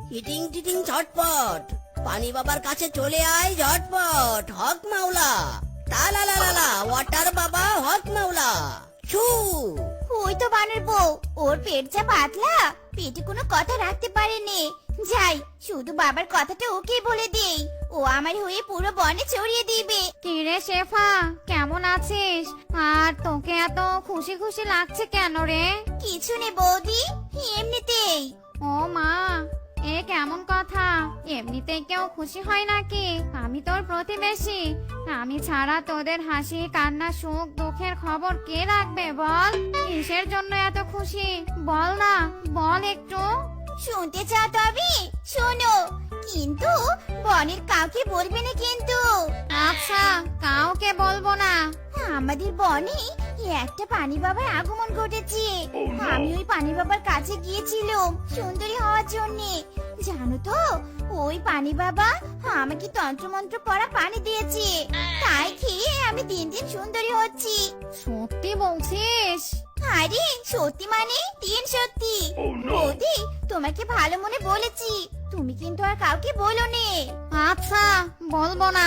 Eating টিটিং ঝটপট, পানি বাবার কাছে চলে আয় ঝটপট। হক মাওলা, তালা লা লা লা, ওয়াটার বাবা হক মাওলা। ছু। ওই তো বানর বউ, ওর পেট যা পাতলা, পেটে কোনো কথা রাখতে পারেনি। যাই, শুধু বাবার কথাটা ওকেই বলে দেই, ও আমার হয়ে পুরো বনে ছড়িয়ে দিবে। কিরে শেফা, কেমন আছিস? আর তোকে এত খুশি খুশি লাগছে কেন রে? কিছু নেই বৌদি, এমনিতেই। ও মা, এ কেমন কথা? এমনিতেই কেউ খুশি হয় নাকি? আমি তোর প্রতিবেশী, আমি ছাড়া তোদের হাসি কান্না সুখ দুঃখের খবর কে রাখবে বল? কিসের জন্য এত খুশি বল না, বল একটু। শুনতে চাও তবে শোনো, কিন্তু বনের কাউকে বলবে না কিন্তু। আচ্ছা, কাউকে বলবো না। আমাদের বনে একটা পানি বাবার আগমন ঘটেছে। আমি ওই পানি বাবার কাছে গিয়েছিলাম সুন্দরী হওয়ার জন্য। জানো তো, ওই পানি বাবা আমাকে তন্ত্রমন্ত্র পড়া পানি দিয়েছে, তাই খেয়ে আমি দিন দিন সুন্দরী হচ্ছি। সত্যি বলছিস? আরে সত্যি মানে তিন সত্যি। বৌদি, তোমাকে ভালো মনে বলেছি, তুমি কিন্তু আর কাউকে বলো নে। আচ্ছা, বলবো না।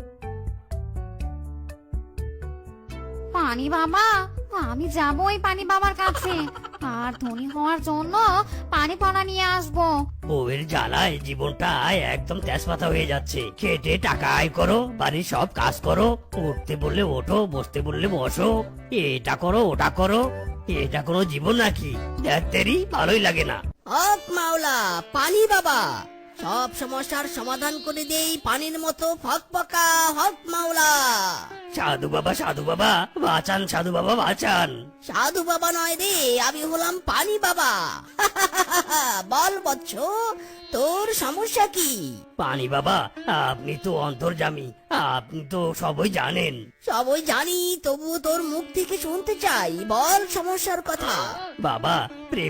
পানি বাবা, আমি যাবো ওই পানি বাবার কাছে, আর ধনী হওয়ার জন্য পানি পড়া নিয়ে আসবো। বউয়ের জ্বালায় জীবনটা একদম তেজপাতা হয়ে যাচ্ছে। খেটে টাকা আয় করো, বাড়ির সব কাজ করো, উঠতে বললে ওঠো, বসতে বললে বসো, এটা করো ওটা করো। এটা কোনো জীবন নাকি? দেখতেরই ভালোই লাগে না। হক মাওলা, পানি বাবা সব সমস্যার সমাধান করে দেই পানির মতো ফকফকা। হক মাওলা। সাধু বাবা বাঁচান, সাধু বাবা বাঁচান। সাধু বাবা নয় রে, আমি হলাম পানি বাবা। বল বৎস, তোর সমস্যা কি? পানি বাবা, আপনি তো অন্তর্যামী, আপনি তো সবই জানেন। সবই জানি, তবু তোর মুখ থেকে শুনতে চাই, বল সমস্যার কথা। বাবা,